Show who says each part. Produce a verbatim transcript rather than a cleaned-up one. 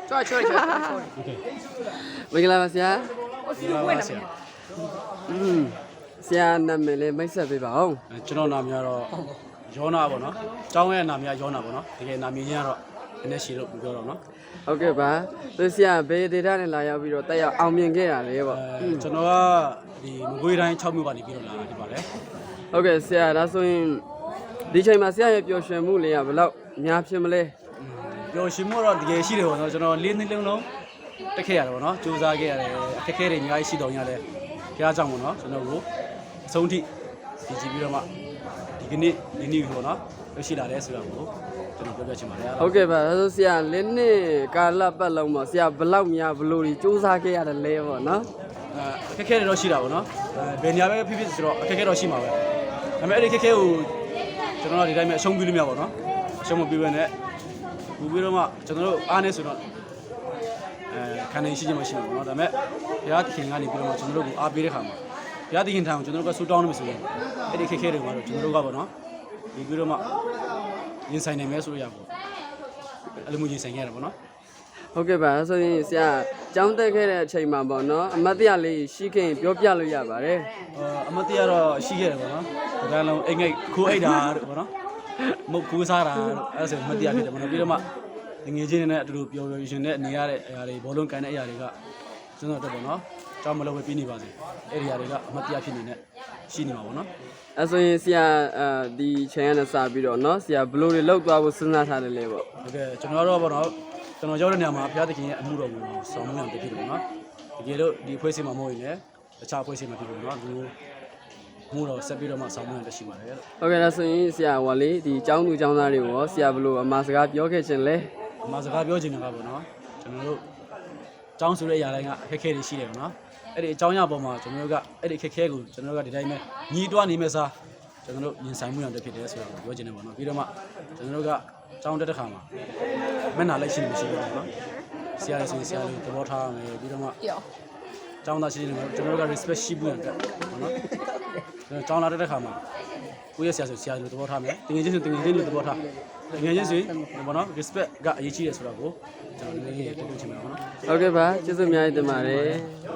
Speaker 1: ချောချောချော
Speaker 2: โอเค
Speaker 3: မင်္ဂလာပါဆရာ
Speaker 1: ဟိုစီဝဲနေမှာ
Speaker 3: อืมဆရာနာမည်လေးမိတ်ဆက်ပေးပါဦး
Speaker 2: ကျွန်တော်နာမည်ကတော့ယောနာပေါ့နော်ကျောင်းရဲ့နာမည်ကယောနာပေါ့နော်တကယ်နာမည်ချင်းကတော့နည်းနည်းရှည်လို့ပြောတော့နော်
Speaker 3: ဟုတ်ကဲ့ပါသူဆရာဘေးဒေတာနဲ့လာရောက်ပြီးတော့တက်ရောက်အောင်မြင်ခဲ့တာလေပေါ့
Speaker 2: အဲကျွန်တော်ကဒီမကွေးတိုင်း၆မြို့ကနေပြီးတော့လာဒီပါလေ
Speaker 3: ဟုတ်ကဲ့ဆရာဒါဆိုရင်ဒီချိန်မှာဆရာရဲ့ပျော်ရွှင်မှုလေးကဘယ်လောက်များဖြစ်မလဲ
Speaker 2: ပျော်ရွှင်မှုတော့တကယ်ရှိတယ်ပေါ့နော်ကျွန်တော်လေးနှစ်လုံးလုံးတက်ခဲ့ရတယ်ပေါ့နော်စူးစမ်းခဲ့ရတယ်အခက်အခဲတွေအများကြီးရှိတော့ညလည်းဘုရားကြောင့်ပေါ့နော်ကျွန်တော်ကိုအဆုံးထိဒီကြည့်ပြီးတော့မှဒီကနေ့ဒီနေ့ပေါ့နော်ရရှိလာတယ်ဆိုတာကိုကျွန်တော်ပြောပြချင်ပါတယ်
Speaker 3: ဟုတ်ကဲ့ပါဒါဆိုဆရာလင်းနှစ်ကာလပတ်လုံးပေါ့ဆရာဘယ်လောက်များဘလို့ကြီးစူးစမ်းခဲ့ရတယ်လဲပေါ့နော်
Speaker 2: အဲအခက်အခဲတွေတော့ရှိတာပေါ့နော်အဲဘယ်နေရာပဲဖြစ်ဖြစ်ဆိုတော့အခက်အခဲတော့ရှိမှာပဲဒါပေမဲ့အဲ့ဒီအခက်အခဲကိုကျွန်တော်တို့ဒီတိုင်းပဲအရှုံးပြလို့မရပါဘူးနော်အရှုံးမပြဘဲနဲ့ဘူးပြီးတော့မှကျွန်တော်တို့အားနေဆိုတော့အဲခံနေရှိချင်မှရှိမှာပေါ့နော်ဒါပေမဲ့ဘုရားသခင်ကနေပြီးတော့မှကျွန်တော်တို့ကိုအားပေးတဲ့ခါမှာဘုရားသခင်ထံကိုကျွန်တော်တို့ကဆူတောင်းနေမှာဆိုရင်အဲ့ဒီအခက်အခဲတွေကတော့ကျွန်တော်တို့ကပေါ့နော်ဒီပြီးတော့မှရင်ဆိုင်နိုင်မယ်ဆိုလို့ရပါဘူးအဲ့လိုမျိုးရင်ဆိုင်ခဲ့ရတယ်ပေါ့နော်
Speaker 3: ဟုတ်ကဲ့ပါဒါဆိုရင်ဆရာကျောင်းတက်ခဲ့တဲ့အချိန်မှာပေါ့နော်အမတ်တရလေးရှိခင်ပြောပြလို့ရပါတယ်
Speaker 2: အမတ်တရားတော့ရှိခဲ့တယ်ပေါ့နော်ဒါကလုံးအိမ်ငိတ်ခိုးအိတ်တာတို့ပေါ့နော်မုတ်ခိုးစားတာတို့အဲ့ဒါဆိုအမတ်တရားဖြစ်တယ်ပေါ့နော်ပြီးတော့မှငွေချင်းတွေနဲ့အတူတူပျော်ပျော်ရွှင်ရွှင်နဲ့နေရတဲ့အရာတွေဘောလုံးကန်တဲ့အရာတွေကကျွန်တော်တို့ပေါ့နော်ကြောင်းမလို့ပဲပြီးနေပါစေအဲ့ဒီအရာတွေကအမတ်တရားဖြစ်နေနဲ့ရှိနေမှာပေါ့နော်
Speaker 3: အဲဆိုရင်ဆရာအဲဒီချိန်ကနေစပြီးတော့နော်ဆရာဘလို့တွေလောက်သွားဖို့စဉ်းစားထားတယ်လေပေါ့
Speaker 2: ဟုတ်ကဲ့ကျွန်တော်တို့ပေါ့နော်ကျွန်တော်ရောက်တဲ့နေရာမှာဘုရားသခင်ရဲ့အမှုတော်ကိုဆောင်မအောင်တည်ဖြစ်တယ်ပေါ့နော်တကယ်လို့ဒီဖွဲ့စည်းမှာမဟုတ်ရင်လည်းတခြားဖွဲ့စည်းမှာဖြစ်လို့နော်ဒီမှုတော်ဆက်ပြီးတော့မှဆောင်မအောင်တရှိပါတယ်လို့
Speaker 3: ဟုတ်ကဲ့ဒါဆိုရင်ဆရာဟောလေဒီကျောင်းသူကျောင်းသားတွေကိုရောဆရာဘလို့အမှားစကားပြောခဲ့ခြင်းလဲ
Speaker 2: အမှားစကားပြောချင်တာကပေါ့နော်ကျွန်တော်တို့အကြောင်းဆိုတဲ့အရာတိုင်းကအခက်အခဲတွေရှိတယ်ပေါ့နော်အဲ့ဒီအကြောင်းအရာပေါ်မှာကျွန်တော်တို့ကအဲ့ဒီအခက်အခဲကိုကျွန်တော်တို့ကဒီတိုင်းပဲညီးတွားနေမဲ့စားကျွန်တော်တို့ရင်ဆိုင်မှုရတဲ့ဖြစ်တယ်ဆိုတာကိုပြောချင်တယ်ပေါ့နော်ပြီးတော့မှကျွန်တော်တို့ကအကြောင်းတက်တဲ့ခါမှာမျက်နှာလိုက်ရှိနေမရှိဘူးပေါ့နော်ဆရာလေးဆိုရင်ဆရာလေးသဘောထားမယ်ပြီးတော့မှကျောင်းသားရှိနေတယ်ကျွန်တော်တို့က respect ရှိဖို့ရတယ်ပေါ့နော်ကျောင်းလာတဲ့ခါမှာကိုယ့်ရဲ့ဆရာဆိုဆရာလိုသဘောထားမယ်တကယ်ချင်းဆိုတကယ်ချင်းလိုသဘောထားတကယ်ချင်းဆိုပေါ့နော် respect ကအရေးကြီးတယ်ဆိုတာကိုကျွန်တော်လည်းပြောချင်ပါတယ်ပေါ့နော်
Speaker 3: ဟုတ်ကဲ့ပါကျေးဇူးအများကြီးတင်ပါတယ်